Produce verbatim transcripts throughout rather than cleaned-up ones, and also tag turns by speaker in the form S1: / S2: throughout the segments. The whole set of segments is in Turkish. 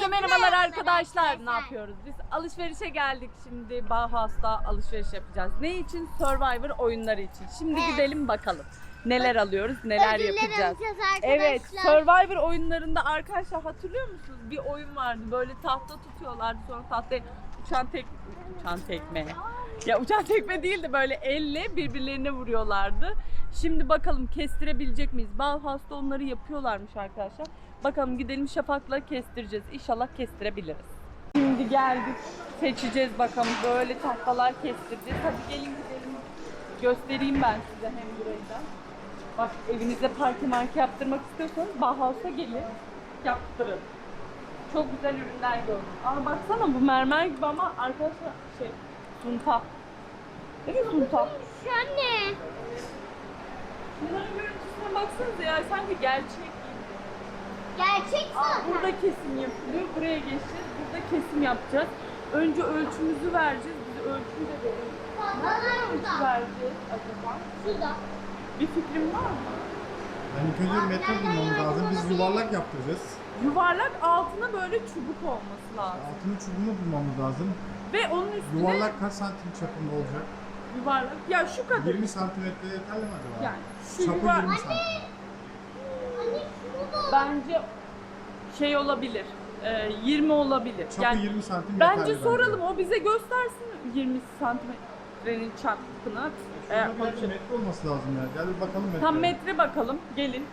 S1: Herkese merhabalar arkadaşlar. Ne yapıyoruz? Biz alışverişe geldik. Şimdi Bauhaus'ta alışveriş yapacağız. Ne için? Survivor oyunları için. Şimdi
S2: Evet.
S1: gidelim bakalım. Neler alıyoruz, neler
S2: Ödüller
S1: yapacağız.
S2: alacağız
S1: Evet,
S2: arkadaşlar.
S1: Survivor oyunlarında arkadaşlar hatırlıyor musunuz? Bir oyun vardı. Böyle tahta tutuyorlardı. Sonra tahtaya uçan tek uçan tekme. Ya uçan tekme değil de böyle elle birbirlerine vuruyorlardı. Şimdi bakalım kestirebilecek miyiz? Bauhaus'ta onları yapıyorlarmış arkadaşlar. Bakalım gidelim Şafak'la kestireceğiz. İnşallah kestirebiliriz. Şimdi geldik. Seçeceğiz bakalım. Böyle tahtalar kestireceğiz. Hadi gelin gidelim. Göstereyim ben size hem burayı da. Bak evinizde parke marke yaptırmak istiyorsanız Bauhaus'a gelin. Yaptırın. Çok güzel ürünler gördüm. Ama baksana bu mermer gibi ama arkadaşlar şey sunta. Değil mi sunta?
S2: Anne.
S1: Bunların görüntüsüne baksanıza ya sanki gerçek.
S2: Gerçek
S1: Aa,
S2: zaten.
S1: burada kesim yapılıyor. Buraya geçeceğiz. Burada kesim yapacağız. Önce ölçümüzü vereceğiz. Bize ölçümü de verin.
S2: Tahtalar
S1: Ölçü
S2: burada.
S1: vereceğiz acaba?
S2: Şurada.
S1: Bir fikrim var mı?
S3: Yani ilk önce metre bulmamız lazım. Biz yuvarlak yaptıracağız.
S1: Yuvarlak altına böyle çubuk olması lazım.
S3: Altını çubuğunu bulmamız lazım.
S1: Ve onun üstüne
S3: Yuvarlak kaç santim çapında olacak?
S1: yuvarlak. Ya şu kadar.
S3: yirmi santimetre yeterli mi acaba?
S1: Yani şu
S3: Çapı
S1: yuvar-
S3: yirmi santim.
S2: Anne şurada.
S1: Bence şey olabilir. e, yirmi olabilir.
S3: Çapı
S1: Yani
S3: yirmi santim
S1: bence
S3: yeterli
S1: soralım o bize göstersin yirmi santimetrenin çapını. E,
S3: Şurada bir
S1: konuşalım.
S3: metre olması lazım ya. Gel bir bakalım metre.
S1: Tam metre bakalım. Gelin.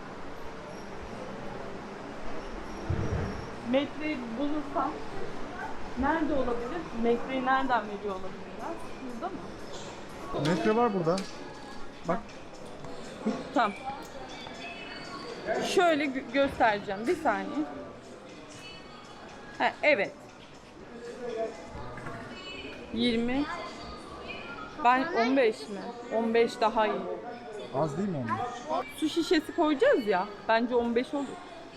S1: Metreyi bulursam nerede olabilir? Metreyi nereden veriyor olabilirler? Burada mı?
S3: Metre var burada. Bak.
S1: Tamam. Şöyle gö- göstereceğim. Bir saniye. Ha, evet. yirmi. Ben on beş mi? on beş daha iyi.
S3: Az değil mi onun?
S1: Su şişesi koyacağız ya. Bence on beş olur.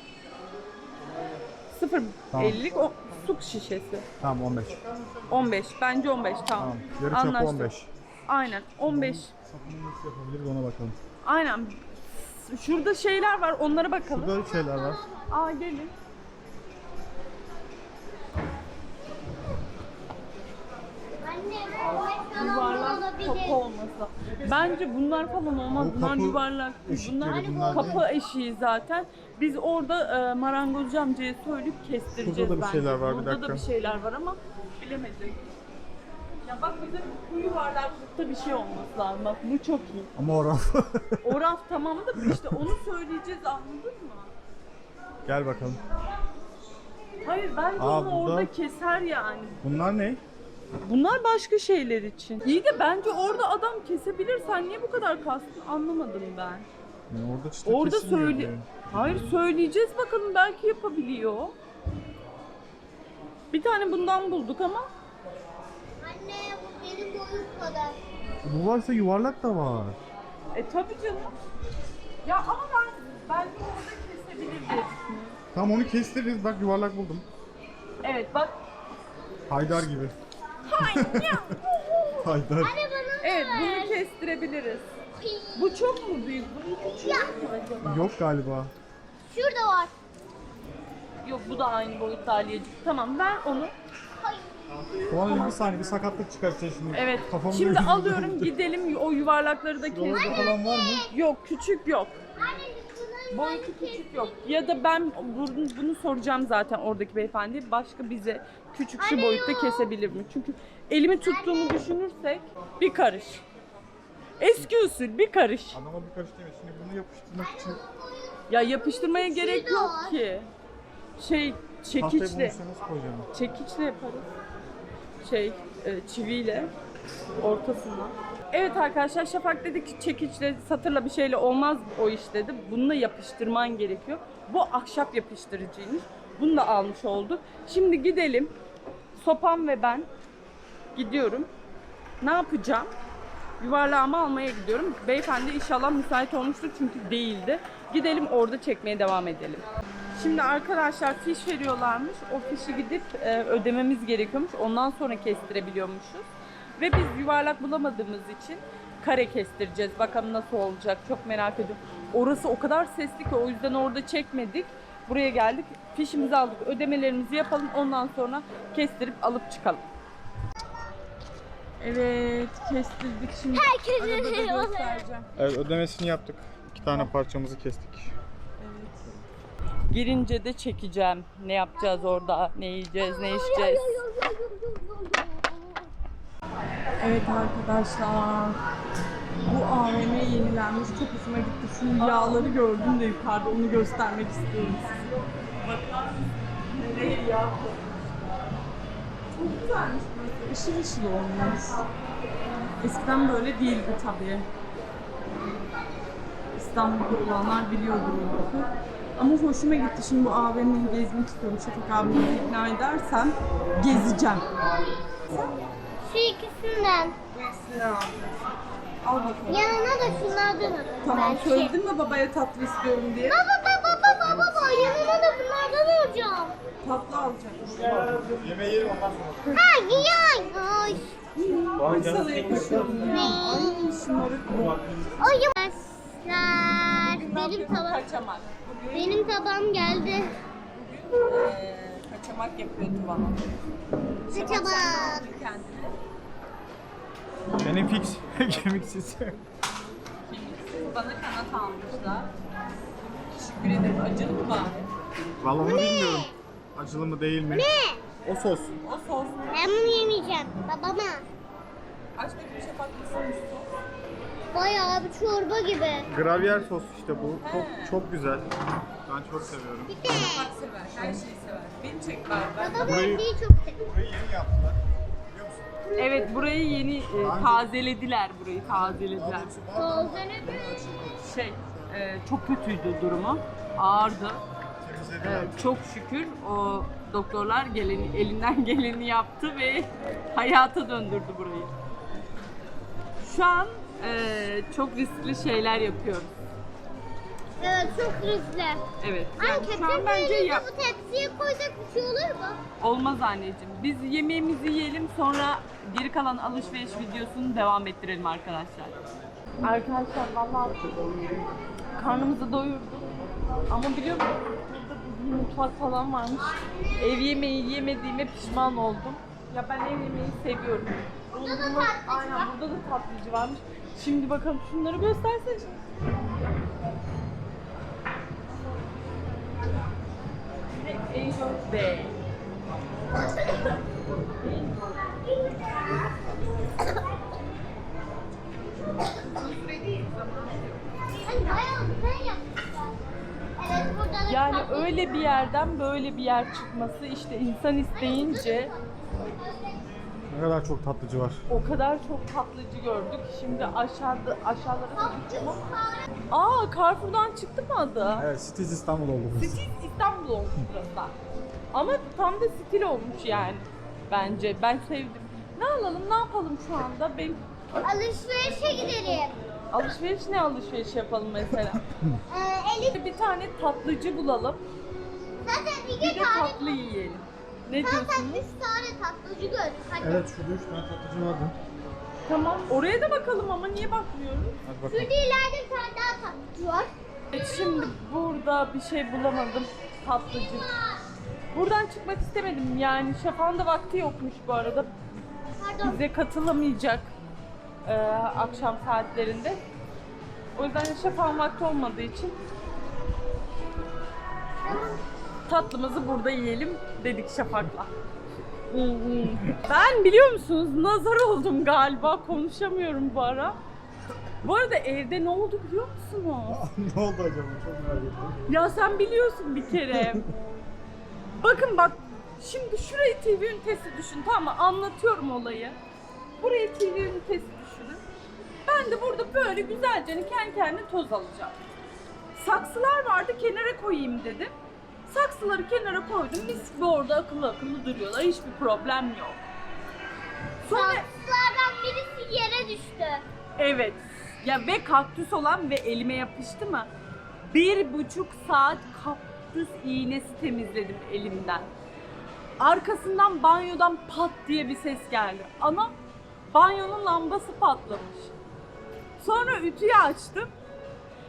S1: sıfır
S3: Tamam.
S1: ellilik o su şişesi.
S3: Tamam on beş.
S1: on beş. Bence on beş. Tamam.
S3: Tamam. Yarı çapı
S1: Anlaştık.
S3: on beş.
S1: Aynen. on beş.
S3: Sapını nasıl yapabiliriz ona bakalım.
S1: Aynen. Şurada şeyler var. Onlara bakalım.
S3: Burada şeyler var.
S1: Aa gelin.
S2: Anne bu falan
S1: Yuvarlak
S2: olabilir.
S1: kapı olması. Bence bunlar falan olmaz.
S3: Bu
S1: Bunlar
S3: kapı
S1: yuvarlak.
S3: eşikleri
S1: Bunlar,
S3: bunlar
S1: kapı
S3: değil.
S1: eşiği zaten. Biz orada e, marangozcu amcaya söyleyip kestireceğiz
S3: Burada da bir
S1: bence.
S3: şeyler var, bir
S1: Burada da
S3: dakika.
S1: bir şeyler var ama bilemedim. Ya bak bize bu yuvarlaklıkta bir şey olması lazım. Bak bu çok iyi.
S3: Ama o raf.
S1: O raf tamam da işte onu söyleyeceğiz anladın mı?
S3: Gel bakalım.
S1: Hayır bence
S3: Aa,
S1: onu
S3: burada-
S1: orada keser yani.
S3: Bunlar ne?
S1: Bunlar başka şeyler için. İyi de bence orada adam kesebilir. Sen niye bu kadar kastın anlamadım ben.
S3: Yani orada çıta
S1: Orada
S3: kesilmiyor
S1: söyle.
S3: diye.
S1: Hayır söyleyeceğiz bakalım belki yapabiliyor. Bir tane bundan bulduk ama
S2: Anne bu benim boyum kadar.
S3: Bu varsa yuvarlak da var.
S1: e tabii canım. Ya ama ben belki orada kesebilir diye düşünüyorum.
S3: Tamam onu kestiririz. Bak yuvarlak buldum.
S1: Evet bak.
S3: Haydar gibi.
S1: Hayır ya.
S3: Haydar.
S2: Anne bana
S1: Evet bunu kestirebiliriz. Bu çok mu büyük? Bunun küçüğü
S2: Ya.
S1: mü acaba?
S3: Yok galiba.
S2: şurada var.
S1: Yok bu da aynı boyutta Aliyeciğim. Tamam ver onu.
S3: Ulan bir saniye bir sakatlık çıkartacağız şimdi.
S1: Evet.
S3: Kafamı
S1: Şimdi
S3: böyle-
S1: alıyorum gidelim o yuvarlakları da
S3: Buralarda
S1: keselim.
S3: falan var mı?
S1: Yok küçük yok.
S2: Anne bunları
S1: Boyutu küçük yok. Ya da ben bunu, bunu soracağım zaten oradaki beyefendi. Başka bize küçük şu
S2: Anne
S1: boyutta
S2: yok.
S1: kesebilir mi? Çünkü elimi tuttuğumu düşünürsek bir karış. Eski usul bir karış.
S3: Adama bir karış demiş. Şimdi bunu yapıştırmak için
S1: Ya yapıştırmaya gerek
S2: da
S1: yok
S2: var.
S1: ki. Şey
S3: tahtayı bunun
S1: çekiçle.
S3: üstüne nasıl koyacağım?
S1: Çekiçle yaparız. Şey e, çiviyle ortasından. Evet arkadaşlar Şafak dedi ki çekiçle satırla bir şeyle olmaz o iş dedi. Bununla yapıştırman gerekiyor. Bu ahşap yapıştırıcıymış. Bunu da almış olduk. Şimdi gidelim. Sopam ve ben gidiyorum. Ne yapacağım? Yuvarlağımı almaya gidiyorum. Beyefendi inşallah müsait olmuştur çünkü değildi. Gidelim orada çekmeye devam edelim. Şimdi arkadaşlar fiş veriyorlarmış. O fişi gidip e, ödememiz gerekiyormuş. Ondan sonra kestirebiliyormuşuz. Ve biz yuvarlak bulamadığımız için kare kestireceğiz. Bakalım nasıl olacak. Çok merak ediyorum. Orası o kadar sesli ki o yüzden orada çekmedik. Buraya geldik. Fişimizi aldık. Ödemelerimizi yapalım. Ondan sonra kestirip alıp çıkalım. Evet, kestirdik. Şimdi
S2: Herkesin
S1: arabada
S2: şeyi oluyor.
S1: göstereceğim.
S3: Evet, ödemesini yaptık. İki tane parçamızı kestik.
S1: Evet. Girince de çekeceğim. Ne yapacağız orada? Ne yiyeceğiz? Ne içeceğiz? Evet arkadaşlar. Bu A V M yenilenmiş. Çok hoşuma gitti. Şu yağları gördüm de yukarıda, onu göstermek istiyorum size. Bakar mısınız? Nereye yağ koymuşlar? Çok güzelmiş burası. Işıl ışıl olmuş. Eskiden böyle değildi tabii. İstanbul'da olanlar biliyordur o lafı. Ama hoşuma gitti. Şimdi bu A V M'yi gezmek istiyorum. Şafak abimi ikna edersem gezeceğim.
S2: Şu ikisinden.
S1: Bu ikisini alacağız. Al bakalım.
S2: Yanına da şunlardan alın.
S1: Tamam,
S2: belki.
S1: söyledim mi babaya tatlı istiyorum diye?
S2: Baba baba baba baba yanına da bunlardan alacağım.
S1: Tatlı alacağım.
S3: Yemeği yerim ondan sonra.
S2: Ha ya. Ay.
S1: Ay sana yakışıyorum ya. Ay şımarık bu.
S2: Ay. Arkadaşlar benim tabağım
S1: Kaçamak. Bugün
S2: benim tabağım geldi.
S1: eee, kaçamak yapıyor Tuvan'a.
S2: Kaçamak.
S1: Kendine.
S3: Benim fix. Kemiksiz.
S1: Kemiksiz bana kanat almışlar. Teşekkür ederim. Acılı mı bari?
S3: Vallahi onu bilmiyorum. Acılı mı değil mi?
S2: Ne?
S3: O sos.
S1: O sos.
S2: Ben bunu yemeyeceğim. Babama.
S1: Aç bakayım Şafak nasılmış sos?
S2: Bayağı bir çorba gibi.
S3: Gravyer sos işte bu. Çok
S1: He.
S3: çok güzel. Ben çok seviyorum.
S2: Bir de
S1: Şafak sever. Her şeyi sever. Beni çek bari. Ben...
S2: baba
S3: Burayı-
S2: bendeyi çok seviyor.
S3: Burayı yeni yaptılar. Biliyor musun?
S1: Evet, burayı yeni e, tazelediler. Burayı tazelediler.
S2: Tozlanabilir.
S1: Şey, e, çok kötüydü durumu. Ağırdı.
S3: Temizlediler.
S1: Evet, çok şükür o doktorlar geleni, elinden geleni yaptı ve hayata döndürdü burayı. Şu an e, çok riskli şeyler yapıyoruz.
S2: Evet çok riskli.
S1: Evet.
S2: Ay
S1: Yani şu an
S2: ketçap
S1: bence
S2: yerine
S1: yap.
S2: bu tepsiye koysak bir şey olur mu?
S1: Olmaz anneciğim. Biz yemeğimizi yiyelim, sonra geri kalan alışveriş videosunu devam ettirelim arkadaşlar. Arkadaşlar vallahi karnımızı doyurduk. Ama biliyor musun? Burada bir mutfak falan varmış. Ev yemeği yemediğime pişman oldum. Ya ben ev yemeği seviyorum.
S2: Burada da
S1: Bunu-
S2: tatlıcı
S1: Aynen,
S2: var.
S1: burada da tatlıcı varmış. Şimdi bakalım şunları göstersene. Angel Day.
S2: Hani bayağı güzel yapmışlar. Evet burada da
S1: Yani
S2: tatlı-
S1: öyle bir yerden böyle bir yer çıkması, işte insan isteyince
S3: Ne kadar çok tatlıcı var.
S1: o kadar çok tatlıcı gördük. Şimdi aşağıda aşağılara da gideceğim ama. Aa, Carrefour'dan çıktı mı adı?
S3: Evet, Cities İstanbul oldu burası.
S1: Stil İstanbul olmuş burası. Ama tam da stil olmuş yani. Bence. Ben sevdim. Ne alalım, ne yapalım şu anda? Ben
S2: Alışverişe gidelim.
S1: alışveriş ne alışveriş yapalım mesela?
S2: Ee, Elif
S1: Bir tane tatlıcı bulalım.
S2: zaten
S1: Bir
S2: iki
S1: de
S2: tane,
S1: tatlı yiyelim. Ne
S2: zaten
S1: diyorsunuz?
S2: üç tane tatlıcı gördük. Hadi.
S3: Evet, şurada üç tane tatlıcı vardı.
S1: Tamam. Oraya da bakalım ama niye bakmıyoruz?
S3: Hadi
S2: Şurada
S3: bakalım.
S2: ileride bir tane daha tatlıcı var.
S1: Evet, şimdi burada bir şey bulamadım. Tatlıcı. Buradan çıkmak istemedim. Yani Şafak'ın da vakti yokmuş bu arada.
S2: Pardon.
S1: Bize katılamayacak e, akşam saatlerinde. O yüzden Şafak'ın vakti olmadığı için tatlımızı burada yiyelim dedik Şafak'la. Ben biliyor musunuz nazar oldum galiba, konuşamıyorum bu ara. Bu arada evde ne oldu biliyor musunuz?
S3: Ne oldu acaba? Çok merak ettim.
S1: Ya sen biliyorsun bir kere. Bakın bak, şimdi şurayı T V ünitesi düşün, tamam mı? Anlatıyorum olayı. Burayı T V ünitesi düşünün. Ben de burada böyle güzelce kendi kendine toz alacağım. Saksılar vardı, kenara koyayım dedim. Saksıları kenara koydum. Mis gibi orada akıllı akıllı duruyorlar. Hiçbir problem yok. Sonra
S2: Saksılardan birisi yere düştü.
S1: evet. Ya ve kaktüs olan ve elime yapıştı mı? Bir buçuk saat kaktüs iğnesi temizledim elimden. Arkasından banyodan pat diye bir ses geldi. Ana, banyonun lambası patlamış. Sonra ütüyü açtım.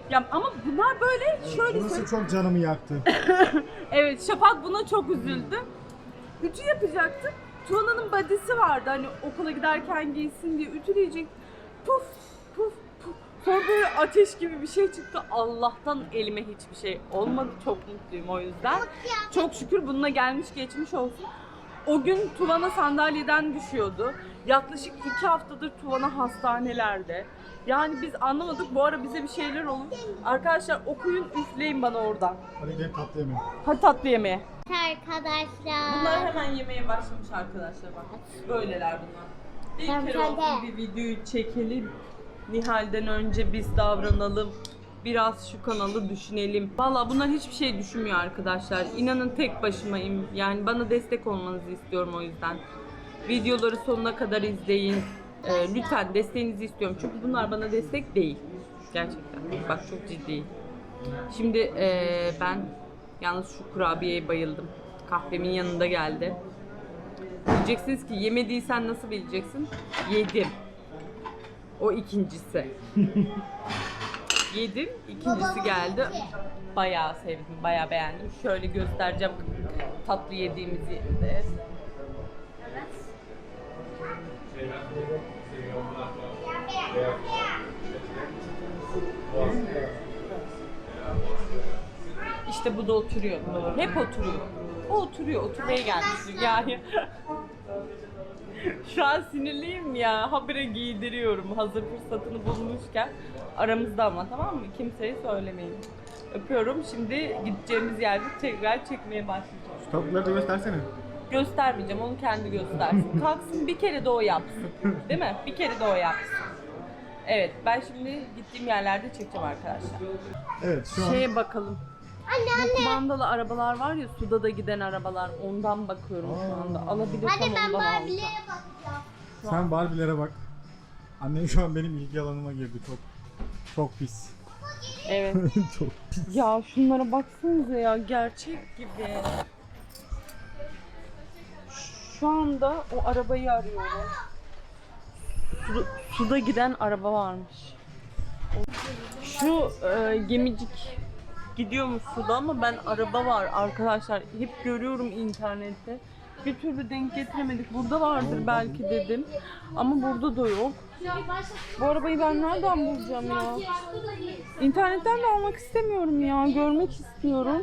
S1: Ya ama bunlar böyle şöyle
S3: Burası
S1: söyleyeyim.
S3: çok canımı yaktı.
S1: Evet, Şafak buna çok üzüldü. Ütü yapacaktım. Tuana'nın body'si vardı hani okula giderken giysin diye ütüleyecek. Puf puf puf. Sonra böyle ateş gibi bir şey çıktı. Allah'tan elime hiçbir şey olmadı. Çok mutluyum o yüzden. Çok şükür bununla gelmiş geçmiş olsun. O gün Tuana sandalyeden düşüyordu. Yaklaşık iki haftadır Tuana hastanelerde. Yani biz anlamadık. Bu ara bize bir şeyler olur. Arkadaşlar okuyun, üfleyin bana oradan.
S3: Hadi gidelim tatlı yemeğe.
S1: Hadi tatlı yemeğe.
S2: Arkadaşlar.
S1: Bunlar hemen yemeye başlamış arkadaşlar bak. Böyleler bunlar. Bir
S2: Ben
S1: kere
S2: de.
S1: olsun bir videoyu çekelim. Nihal'den önce biz davranalım. Biraz şu kanalı düşünelim. Valla bunlar hiçbir şey düşünmüyor arkadaşlar. İnanın tek başımayım. Yani bana destek olmanızı istiyorum o yüzden. Videoları sonuna kadar izleyin. Ee, lütfen desteğinizi istiyorum. Çünkü bunlar bana destek değil. Gerçekten. Bak çok ciddiyim. Şimdi ee, ben yalnız şu kurabiyeye bayıldım. Kahvemin yanında geldi. Diyeceksiniz ki yemediysen nasıl bileceksin? Yedim. O ikincisi. Yedim, ikincisi geldi. Bayağı sevdim, bayağı beğendim. Şöyle göstereceğim tatlı yediğimiz yerde. İşte bu da oturuyor. Hep oturuyor. O oturuyor, oturmaya gelmiş yani. Şu an sinirliyim ya. Habire giydiriyorum hazır fırsatını bulmuşken. Aramızda ama, tamam mı? Kimseye söylemeyin. Öpüyorum. Şimdi gideceğimiz yerde tekrar çekmeye başlayacağım.
S3: Şu tatlıları da göstersene.
S1: Göstermeyeceğim. Onu kendi göstersin. Kalksın bir kere de o yapsın. Değil mi? Bir kere de o yapsın. Evet. Ben şimdi gittiğim yerlerde çekeceğim arkadaşlar.
S3: Evet şu an
S1: Şeye bakalım.
S2: Anne
S1: Bu kumandalı arabalar var ya, suda da giden arabalar. Ondan bakıyorum şu anda. Alabilirsem
S2: Hadi ben
S1: ondan alacağım.
S2: Barbie'lere bakacağım.
S3: sen Barbie'lere bak. Annem şu an benim ilgi alanıma girdi. Çok çok pis.
S1: Evet.
S3: çok.
S1: Ya şunlara baksanıza ya, gerçek gibi. Şu anda o arabayı arıyorum. Su- suda giden araba varmış. Şu e, gemicik gidiyormuş suda ama ben araba var arkadaşlar. Hep görüyorum internette. Bir türlü denk getiremedik. Burada vardır belki dedim. Ama burada da yok. Bu arabayı ben nereden bulacağım ya? İnternetten de almak istemiyorum ya. Görmek istiyorum.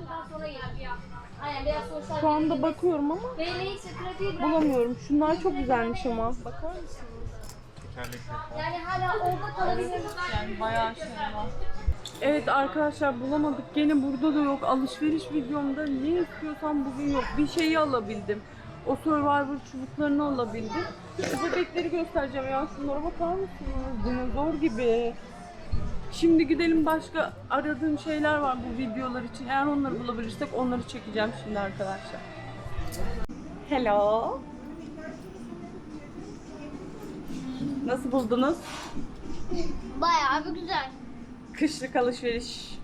S1: Şu anda bakıyorum ama bulamıyorum. Şunlar çok güzelmiş ama. Bakar mısınız?
S2: Yani hala orada kalabilir.
S1: Yani bayağı şey var. Evet arkadaşlar, bulamadık. Gene burada da yok. Alışveriş videomda ne istiyorsam bugün yok. Bir şeyi alabildim. O Survivor çubuklarını alabildim. Bu bebekleri göstereceğim ya. Şunlara bakar mısınız? Dinozor gibi. Şimdi gidelim, başka aradığım şeyler var bu videolar için. Eğer onları bulabilirsek onları çekeceğim şimdi arkadaşlar. Hello. Nasıl buldunuz?
S2: Bayağı bir güzel.
S1: Kışlık alışveriş.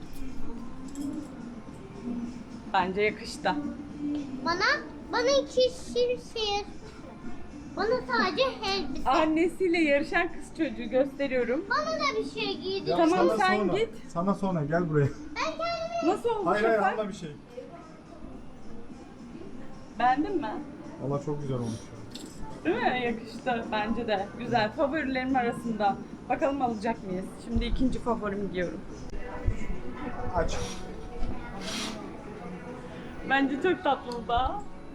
S1: Bence yakıştı.
S2: Bana, bana iki şişir. Bana sadece elbise.
S1: Annesiyle yarışan kız çocuğu gösteriyorum.
S2: Bana da bir şey giydir.
S1: Tamam,
S3: Sana
S1: sen
S3: sonra.
S1: git.
S3: Sana sonra gel buraya.
S2: Ben kendime
S1: Nasıl oldu
S3: Hayır hayır
S1: Şafak?
S3: alma bir şey.
S1: Beğendin mi?
S3: Valla çok güzel olmuş.
S1: Değil mi? Yakıştı. Bence de. Güzel. Favorilerim arasında. Bakalım alacak mıyız? Şimdi ikinci favorimi giyiyorum.
S3: Aç.
S1: Bence çok tatlı bu da.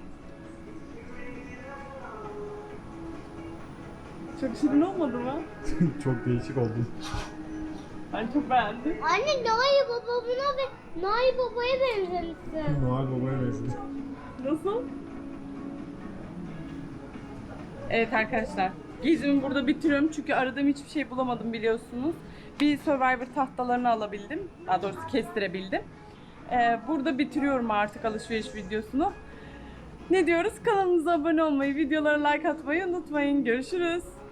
S1: Çok şirin olmadı mı?
S3: çok değişik oldun.
S1: Ben çok beğendim.
S2: Anne Noel babamına ve Noel babaya benzemişsin.
S3: Noel Baba'ya benziyor.
S1: Nasıl? Evet arkadaşlar, gezimi burada bitiriyorum çünkü aradığım hiçbir şey bulamadım biliyorsunuz. Bir Survivor tahtalarını alabildim, daha doğrusu kestirebildim. Ee, burada bitiriyorum artık alışveriş videosunu. Ne diyoruz? Kanalımıza abone olmayı, videolara like atmayı unutmayın. Görüşürüz.